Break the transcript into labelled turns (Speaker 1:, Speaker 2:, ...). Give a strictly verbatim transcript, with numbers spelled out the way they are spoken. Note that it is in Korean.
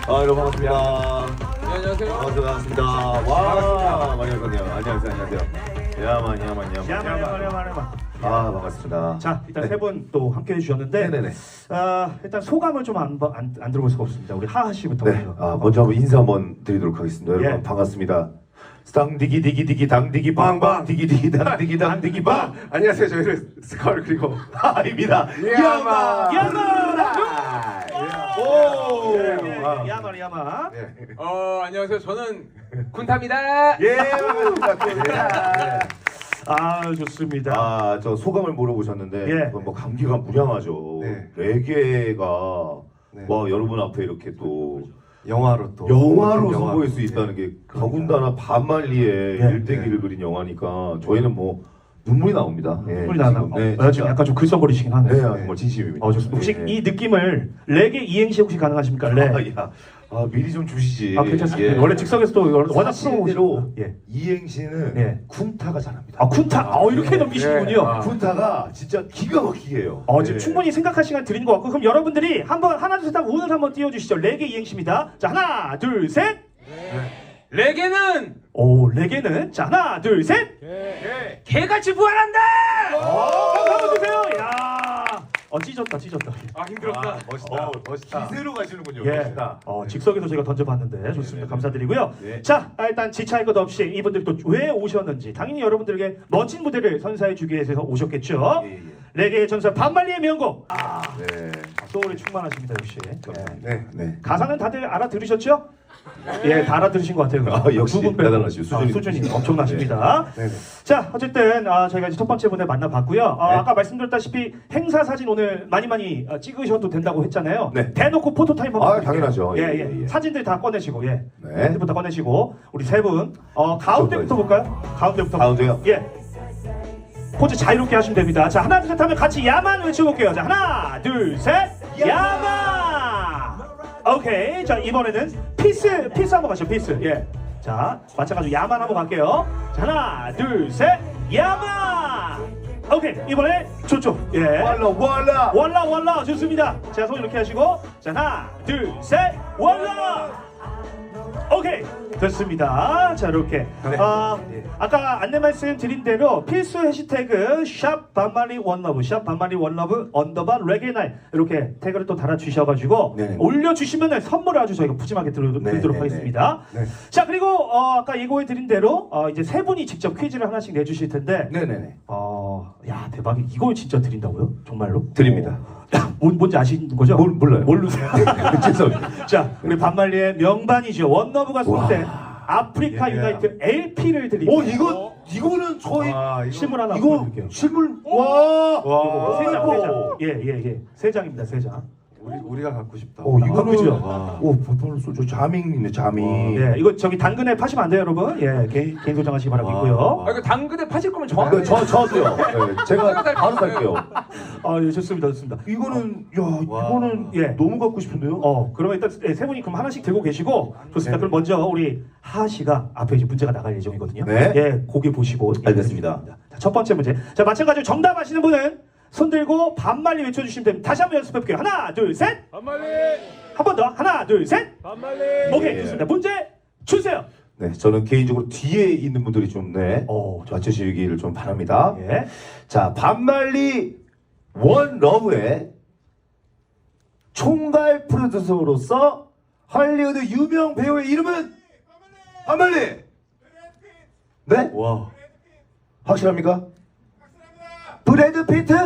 Speaker 1: 아, 여러분 반갑습니다.
Speaker 2: 네, 안녕하세요.
Speaker 1: 반갑습니다. 반갑습니다. 와, 많이 오셨네요. 안녕하세요. 안녕하세요. 야만, 야만, 야만.
Speaker 3: 야만 야만 야만 야만.
Speaker 1: 아, 반갑습니다.
Speaker 3: 자, 일단
Speaker 1: 네.
Speaker 3: 세 분 또 함께 해주셨는데,
Speaker 1: 네네네.
Speaker 3: 아, 일단 소감을 좀 안 안 안 들어볼 수가 없습니다. 우리 하하 씨부터.
Speaker 1: 네, 아, 먼저 한번 인사 한번 드리도록 하겠습니다. 여러분
Speaker 3: 예.
Speaker 1: 반갑습니다. 쌍디기 디기 디기 당디기 빵빵 디기 디기 당디기 당디기 빵.
Speaker 2: 안녕하세요. 저희는 스컬 그리고
Speaker 1: 하입니다.
Speaker 2: 야만.
Speaker 3: 야만.
Speaker 1: 오.
Speaker 3: 예, 야만 야만.
Speaker 2: 네. 어 안녕하세요. 저는 군탑입니다.
Speaker 1: 예, 반갑습니다.
Speaker 3: 아, 좋습니다.
Speaker 1: 아, 저 소감을 물어보셨는데
Speaker 3: 예.
Speaker 1: 뭐 감기가 무량하죠.
Speaker 2: 네.
Speaker 1: 레게가
Speaker 2: 네.
Speaker 1: 와 여러분 앞에 이렇게 또
Speaker 2: 영화로 또
Speaker 1: 영화로
Speaker 2: 영화.
Speaker 1: 선보일 수 있다는 게 더군다나 반말리에
Speaker 3: 예.
Speaker 1: 일대기를 그린 영화니까 저희는 뭐 눈물이 나옵니다. 예,
Speaker 3: 눈물이 나나.
Speaker 1: 지금,
Speaker 3: 어,
Speaker 1: 네,
Speaker 3: 어, 지금
Speaker 1: 진짜.
Speaker 3: 약간 좀 글썽거리시긴 하네요.
Speaker 1: 네, 정말 진심입니다.
Speaker 3: 어, 좋습니다. 혹시
Speaker 1: 예.
Speaker 3: 이 느낌을 레게 이행시 혹시 가능하십니까? 레.
Speaker 1: 아, 야, 아, 미리 좀 주시지.
Speaker 3: 아, 괜찮습니다.
Speaker 1: 예.
Speaker 3: 원래 즉석에서도 워낙
Speaker 1: 사실대로
Speaker 3: 프로. 예.
Speaker 1: 이행시는
Speaker 3: 예.
Speaker 1: 쿤타가 잘합니다.
Speaker 3: 아, 쿤타. 어, 이렇게 넘기시는군요.
Speaker 2: 예. 아.
Speaker 1: 쿤타가 진짜 기가 막히게 해요.
Speaker 3: 어, 지금
Speaker 1: 예.
Speaker 3: 충분히 생각할 시간 드리는 것 같고, 그럼 여러분들이 한번 하나 둘 셋 하고 운을 한번 띄워주시죠. 레게 이행시입니다. 자, 하나 둘 셋.
Speaker 2: 레게는
Speaker 3: 오, 레게는 자 하나 둘 셋.
Speaker 2: 개. 개같이 부활한다.
Speaker 3: 한번 주세요. 야, 어 찢었다 찢었다.
Speaker 2: 아 힘들었다.
Speaker 1: 아, 멋있다.
Speaker 2: 어, 멋있다.
Speaker 1: 기세로 가시는군요.
Speaker 3: 예.
Speaker 1: 멋있다.
Speaker 3: 어, 직석에서 제가 던져봤는데 좋습니다.
Speaker 1: 네.
Speaker 3: 감사드리고요.
Speaker 1: 네.
Speaker 3: 자, 아, 일단 지체할 것 없이 이분들이 또 왜 오셨는지 당연히 여러분들에게 멋진 무대를 선사해주기 위해서 오셨겠죠.
Speaker 1: 예, 예.
Speaker 3: 레게의 전설 반말리의 명곡. 아,
Speaker 1: 네.
Speaker 3: 소울이 충만하십니다 역시. 예.
Speaker 1: 네. 네.
Speaker 3: 가사는 다들 알아들으셨죠? 예, 다 알아들으신 것 같아요.
Speaker 1: 아, 역시
Speaker 3: 두 분 빼고.
Speaker 1: 대단하시죠. 수준이
Speaker 3: 아, 수준이
Speaker 1: 높으시죠.
Speaker 3: 엄청나십니다.
Speaker 2: 네. 네.
Speaker 3: 자, 어쨌든 아, 저희가 이제 첫 번째 분을 만나봤고요. 아,
Speaker 1: 네.
Speaker 3: 아까 말씀드렸다시피 행사 사진 오늘 많이 많이 아, 찍으셔도 된다고 했잖아요.
Speaker 1: 네.
Speaker 3: 대놓고 포토 타임 한번
Speaker 1: 아,
Speaker 3: 드릴게요.
Speaker 1: 당연하죠.
Speaker 3: 예,
Speaker 1: 예,
Speaker 3: 예,
Speaker 1: 예, 예.
Speaker 3: 사진들 다 꺼내시고, 예.
Speaker 1: 네.
Speaker 3: 핸드폰 다 꺼내시고 우리 세 분, 어, 가운데부터 볼까요? 가운데부터.
Speaker 1: 가운데요?
Speaker 3: 예. 포즈 자유롭게 하시면 됩니다. 자, 하나 둘 셋 하면 같이 야만 외쳐볼게요. 자, 하나 둘 셋, 야만. 오케이. 자, 이번에는 피스, 피스 한번 가시죠. 피스. 예. 자, 마찬가지로 야만 한번 갈게요. 자, 하나 둘 셋, 야만. 오케이. 이번에 저쪽. 예.
Speaker 1: 월라 월라.
Speaker 3: 월라 월라 좋습니다. 자, 손 이렇게 하시고, 자, 하나 둘 셋, 월라. 오케이, 됐습니다. 자, 이렇게
Speaker 2: 네.
Speaker 3: 아,
Speaker 2: 예.
Speaker 3: 아까 안내 말씀 드린 대로 필수 해시태그 샵 반말리 원러브 샵 반말리 원러브 언더바 레게나이 이렇게 태그를 또 달아주셔가지고
Speaker 1: 네네.
Speaker 3: 올려주시면 선물을 아주 저희가 푸짐하게 드리-
Speaker 1: 네,
Speaker 3: 드리도록
Speaker 1: 네,
Speaker 3: 하겠습니다.
Speaker 2: 네.
Speaker 3: 자, 그리고 어, 아까 예고해 드린 대로 어, 이제 세 분이 직접 퀴즈를 하나씩 내주실 텐데
Speaker 1: 네네네.
Speaker 3: 어, 야, 대박이 이걸 진짜 드린다고요? 정말로?
Speaker 1: 드립니다.
Speaker 3: 뭔, 뭔지 아시는 거죠?
Speaker 1: 몰- 몰라요.
Speaker 3: 모르세요?
Speaker 1: 죄송합니다.
Speaker 3: 자, 우리 반말리의 명반이죠. 원너브가 쏠 때 아프리카
Speaker 2: 예.
Speaker 3: 유나이트 엘피를 드립니다.
Speaker 1: 오, 이거 이거는 저희
Speaker 2: 와, 이거
Speaker 3: 실물 하나
Speaker 1: 이거
Speaker 3: 보여드릴게요.
Speaker 1: 실물 와.
Speaker 2: 와.
Speaker 3: 세 장, 세 장.
Speaker 1: 아이고.
Speaker 3: 예, 예, 예. 세 장입니다, 세 장.
Speaker 2: 우리 우리가 갖고 싶다.
Speaker 1: 오, 이거는
Speaker 3: 그죠?
Speaker 2: 와.
Speaker 1: 오, 보통은 쏘죠. 자밍이네, 자밍.
Speaker 3: 예, 이거 저기 당근에 파시면 안 돼요, 여러분. 예, 개인, 개인 소장하시기 바라겠고요.
Speaker 2: 아 이거 당근에 파실 거면
Speaker 1: 네,
Speaker 2: 저한테.
Speaker 1: 저 저도요. 네, 제가 바로 살게요.
Speaker 3: 아, 예, 좋습니다, 좋습니다.
Speaker 1: 이거는 야,
Speaker 2: 와.
Speaker 1: 이거는
Speaker 3: 예.
Speaker 1: 너무 갖고 싶은데요.
Speaker 3: 어, 그러면 일단 예, 세 분이 그럼 하나씩 들고 계시고 좋습니다.
Speaker 1: 네.
Speaker 3: 그럼 먼저 우리 하하 씨가 앞에 이제 문제가 나갈 예정이거든요.
Speaker 1: 네.
Speaker 3: 예, 고개 보시고
Speaker 1: 알겠습니다.
Speaker 3: 자, 첫 번째 문제. 자, 마찬가지로 정답 아시는 분은 손 들고 반말리 외쳐주시면 됩니다. 다시 한번 연습해 볼게요. 하나, 둘, 셋.
Speaker 2: 반말리.
Speaker 3: 한 번 더. 하나, 둘, 셋.
Speaker 2: 반말리.
Speaker 3: 오케이,
Speaker 1: 예.
Speaker 3: 좋습니다. 문제 주세요.
Speaker 1: 네, 저는 개인적으로 뒤에 있는 분들이 좀 네,
Speaker 3: 어, 저,
Speaker 1: 맞추시기를 좀 바랍니다.
Speaker 3: 예.
Speaker 1: 자, 반말리 원 러브의 총괄 프로듀서로서 할리우드 유명 배우의 이름은 반말리. 네?
Speaker 2: 와.
Speaker 1: 확실합니까? 브래드 피트.